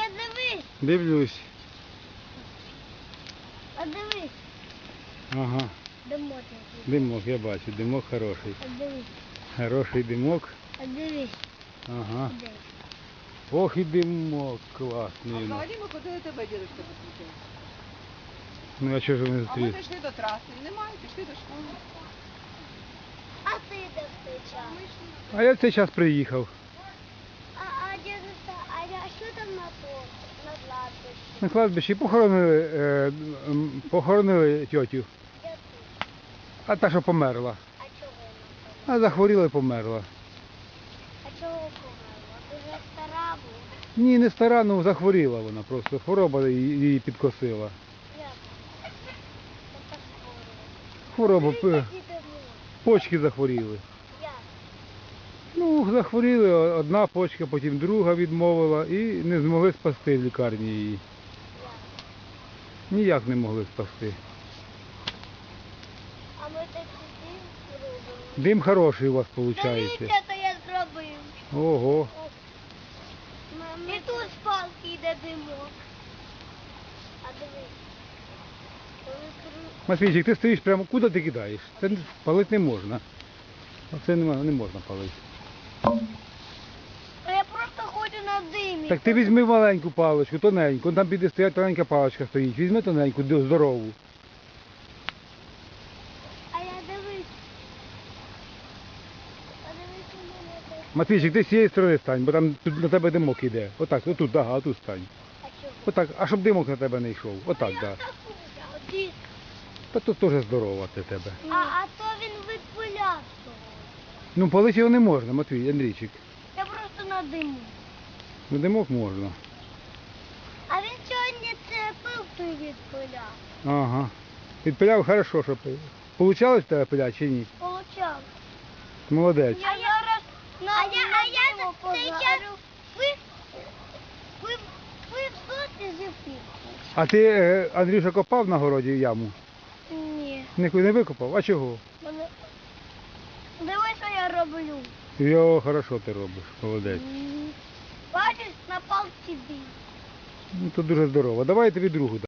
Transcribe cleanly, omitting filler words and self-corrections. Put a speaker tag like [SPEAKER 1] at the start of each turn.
[SPEAKER 1] дивись.
[SPEAKER 2] Дивлюсь.
[SPEAKER 1] А дивись.
[SPEAKER 2] Ага.
[SPEAKER 1] Димок який.
[SPEAKER 2] Димок, я бачу. Димок хороший.
[SPEAKER 1] А дивись.
[SPEAKER 2] Хороший димок.
[SPEAKER 1] А дивись.
[SPEAKER 2] Ага.
[SPEAKER 1] Де?
[SPEAKER 2] Ох і димок
[SPEAKER 3] А
[SPEAKER 2] класний.
[SPEAKER 3] взагалі ми ходили тебе, дідусь, зустрічати.
[SPEAKER 2] Ну а чого ж вони
[SPEAKER 3] А ми
[SPEAKER 2] зустріли?
[SPEAKER 3] зайшли до траси. Немає, пішли до школи.
[SPEAKER 1] А ти де в той час?
[SPEAKER 2] А я в цей час приїхав.
[SPEAKER 1] А дідуся, а що там на кладбищі?
[SPEAKER 2] На кладбищі похоронили, похоронили тьотю.
[SPEAKER 1] Де ти?
[SPEAKER 2] А та, що померла.
[SPEAKER 1] А чого вона?
[SPEAKER 2] А захворіла і померла.
[SPEAKER 1] А чого померла? Дуже стара була.
[SPEAKER 2] Ні, не стара, ну захворіла вона просто. Хвороба її підкосила.
[SPEAKER 1] Як? Це так
[SPEAKER 2] Хвороба,
[SPEAKER 1] скоро.
[SPEAKER 2] почки захворіли.
[SPEAKER 1] Як?
[SPEAKER 2] Ну, захворіли, одна почка, потім друга відмовила і не змогли спасти в лікарні її.
[SPEAKER 1] Як?
[SPEAKER 2] Ніяк не могли спасти.
[SPEAKER 1] А ми так сидимо, робимо.
[SPEAKER 2] Дим хороший у вас виходить.
[SPEAKER 1] Дивіться, то я зробив.
[SPEAKER 2] Ого.
[SPEAKER 1] І тут з палки йде димок. А дивись. Коли
[SPEAKER 2] Матвійчик, ти стоїш прямо, куди ти кидаєш? Це палити не можна. Оце не можна палити.
[SPEAKER 1] А я просто ходжу на димі.
[SPEAKER 2] Так ти візьми маленьку паличку, тоненьку, там піде стоять тоненька паличка стоїть. Візьми тоненьку, здорову.
[SPEAKER 1] А я дивись. А дивись у мене так.
[SPEAKER 2] Матвійчик, ти з цієї сторони стань, бо там тут на тебе димок іде. Отак, отут, ага, отут стань.
[SPEAKER 1] А чого?
[SPEAKER 2] Отак, а щоб димок на тебе не йшов. Отак,
[SPEAKER 1] Я
[SPEAKER 2] так.
[SPEAKER 1] так ходжу.
[SPEAKER 2] Та тут теж здорово для тебе.
[SPEAKER 1] А то він відпиляв того.
[SPEAKER 2] Ну, палити його не можна, Матвій, Андрійчик.
[SPEAKER 1] Я просто на диму.
[SPEAKER 2] Ну, димок можна.
[SPEAKER 1] А він сьогодні це пилкою відпиляв.
[SPEAKER 2] Ага. Підпиляв хорошо, що пив. Получалось в тебе пиляти чи ні?
[SPEAKER 1] Получав.
[SPEAKER 2] Молодець.
[SPEAKER 1] Я зараз на диму позарю. Ви в соці зіпіть?
[SPEAKER 2] А ти, Андрюша, копав на городі яму?
[SPEAKER 1] Ні.
[SPEAKER 2] Не викопав? А чого?
[SPEAKER 1] Дивись, що я роблю.
[SPEAKER 2] Йо, хорошо ти робиш, молодець.
[SPEAKER 1] Бачиш, на палці бій.
[SPEAKER 2] Ну, то дуже здорово. Давай я тобі другу дам.